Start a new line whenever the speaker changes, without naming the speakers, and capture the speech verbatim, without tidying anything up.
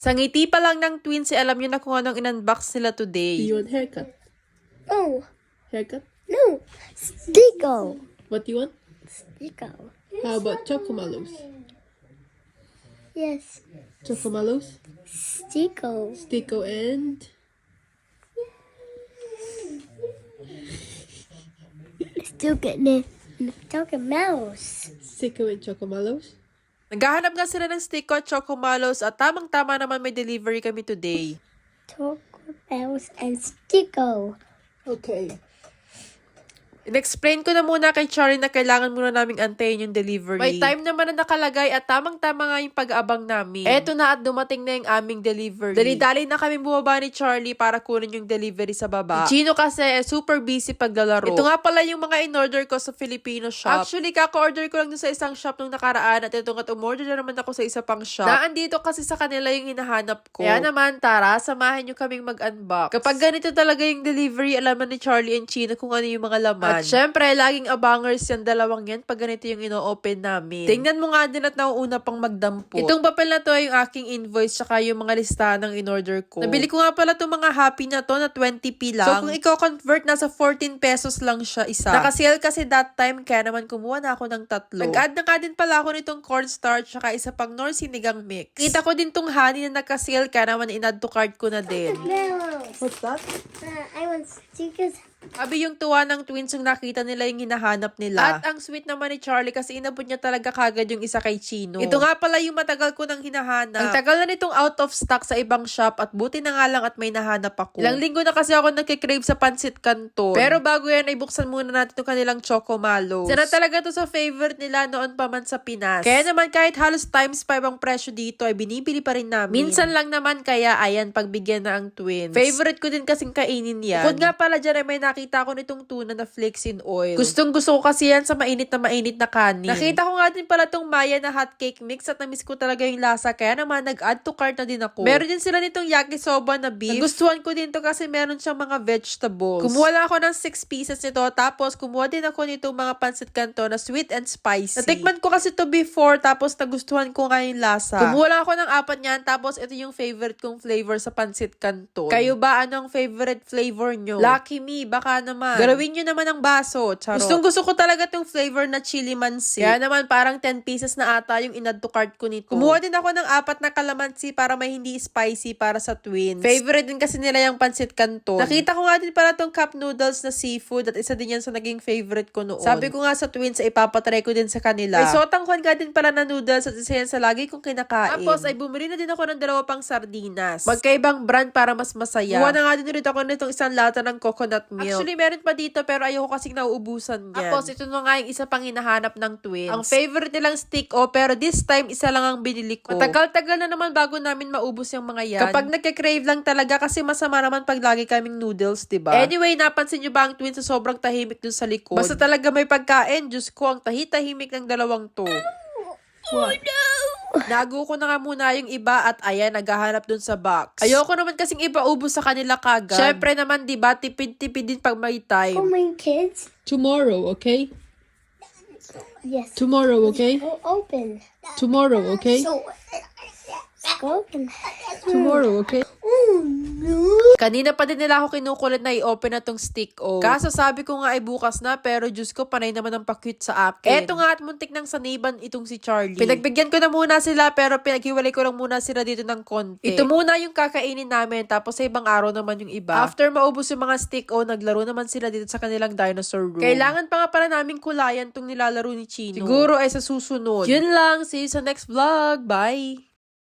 Sa ngiti pa lang ng twins, eh, alam nyo na kung anong in-unbox nila today.
Do you want haircut?
No,
Haircut?
no. Stico.
What do you want?
Stico.
How about Chocomalos?
Yes.
Chocomalos?
Stico.
Stico and...
Still getting it. Talking mouse.
Stico and Chocomalos?
Naghahanap nga sila ng Stico at Chocomalos at tamang-tama naman may delivery kami today.
Talking mouse and Stico.
Okay.
In-explain ko na muna kay Charlie na kailangan muna naming antayin yung delivery. May time naman na nakalagay at tamang-tama nga yung pag-aabang namin. Eto na at dumating na yung aming delivery. Dali-dali na kami bumaba ni Charlie para kunin yung delivery sa baba. Si Chino kasi eh, super busy paglalaro. Ito nga pala yung mga in-order ko sa Filipino shop. Actually, kaka-order ko lang dun sa isang shop nung nakaraan at ito nga umorder na naman ako sa isa pang shop. Naandito kasi sa kanila yung hinahanap ko. Kaya naman, tara, samahan nyo kaming mag-unbox. Kapag ganito talaga yung delivery, alaman ni Charlie and Chino kung ano yung mga laman. At syempre, laging abangers yan, dalawang yan, pag ganito yung ino-open namin. Tingnan mo nga din at nauuna pang magdampot. Itong papel na to ay yung aking invoice tsaka yung mga listahan ng in-order ko. Nabili ko nga pala itong mga happy na to na twenty p lang. So kung i-convert, nasa fourteen pesos lang siya isa. Nakasale kasi that time, kaya naman kumuha na ako ng tatlo. Nag-add na nga din pala ako nitong cornstarch tsaka isa pang nor sinigang mix. Kita ko din tong honey na nakasale, kaya naman in-add to cart ko na din.
Mouse.
What's that?
Uh, I want stickers.
Abi yung tuwa ng twins yung nakita nila yung hinahanap nila. At ang sweet naman ni Charlie kasi inabot niya talaga kagad yung isa kay Chino. Ito nga pala yung matagal ko nang hinahanap. Ang tagal na nitong out of stock sa ibang shop at buti na nga lang at may nahanap ako. Ilang linggo na kasi ako nagkikrave sa pansit canton. Pero bago yan ay buksan muna natin itong kanilang Chocomalos. Sana talaga to sa favorite nila noon pa man sa Pinas. Kaya naman kahit halos times five ang presyo dito ay binibili pa rin namin. Minsan lang naman kaya ayan pagbigyan na ang twins. Favorite ko din kasing kainin yan. Bukod nga pala dyan ay may nakita ko nitong tuna na flakes in oil. Gustong gusto ko kasi yan sa mainit na mainit na kanin. Nakita ko nga din pala tong Maya na hot cake mix at namiss ko talaga yung lasa kaya naman nag-add to cart na din ako. Meron din sila nitong yakisoba na beef. Nagustuhan ko din to kasi meron siyang mga vegetables. Kumuha lang ako ng six pieces nito tapos kumuha din ako nitong mga pancit canton na sweet and spicy. Natikman ko kasi to before tapos nagustuhan ko nga yung lasa. Kumuha lang ako ng apat niyan tapos ito yung favorite kong flavor sa pancit canton. Kayo ba anong favorite flavor nyo? Lucky me, baka naman. Galawin nyo naman ang baso. Charot. Gustong gusto ko talaga tong flavor na chili mansi. Kaya naman parang ten pieces na ata yung in-add to cart ko nito. Kumuha din ako ng apat na kalamansi para may hindi spicy para sa twins. Favorite din kasi nila yung pancit canton. Nakita ko nga din pala tong cup noodles na seafood at isa din yan sa naging favorite ko noon. Sabi ko nga sa twins ay ipapatry ko din sa kanila. May sotang kwan ka din pala na noodles at isa yan sa lagi kong kinakain. Tapos ay bumili na din ako ng dalawa pang sardinas. Magkaibang brand para mas masaya. Kuha na nga din ulit ako nitong isang lata ng coconut milk. Actually, meron pa dito pero ayoko kasing nauubusan yan. Tapos ito na nga yung isa pang hinahanap ng twins. Ang favorite nilang stick o pero this time isa lang ang binili ko. Matagal-tagal na naman bago namin maubos yung mga yan. Kapag nagka-crave lang talaga kasi masama naman pag lagi kaming noodles, diba? Anyway, napansin nyo ba ang twins sa sobrang tahimik dun sa likod? Basta talaga may pagkain, Diyos ko, ang tahi-tahimik ng dalawang to.
Oh no!
Nago ko na nga muna yung iba at ayan, naghahanap dun sa box. Ayoko naman kasing ipaubos sa kanila kagad. Syempre naman, diba, tipid-tipid din pag may time.
Oh my kids.
Tomorrow, okay?
Yes.
Tomorrow, okay?
Go open.
Tomorrow, okay?
So, go open.
Tomorrow, okay?
Oh no!
Kanina pa din nila ako kinukulit na i-open na tong stick o. Kaso sabi ko nga ay bukas na pero Diyos ko panay naman ang pa-cute sa akin. Eto nga at muntik ng saniban itong si Charlie. Pinagbigyan ko na muna sila pero pinaghiwalay ko lang muna sila dito ng konti. Ito muna yung kakainin namin tapos sa ibang araw naman yung iba. After maubos yung mga stick o, naglaro naman sila dito sa kanilang dinosaur room. Kailangan pa nga pala namin kulayan tong nilalaro ni Chino. Siguro ay sa susunod. Yun lang. See you sa next vlog. Bye!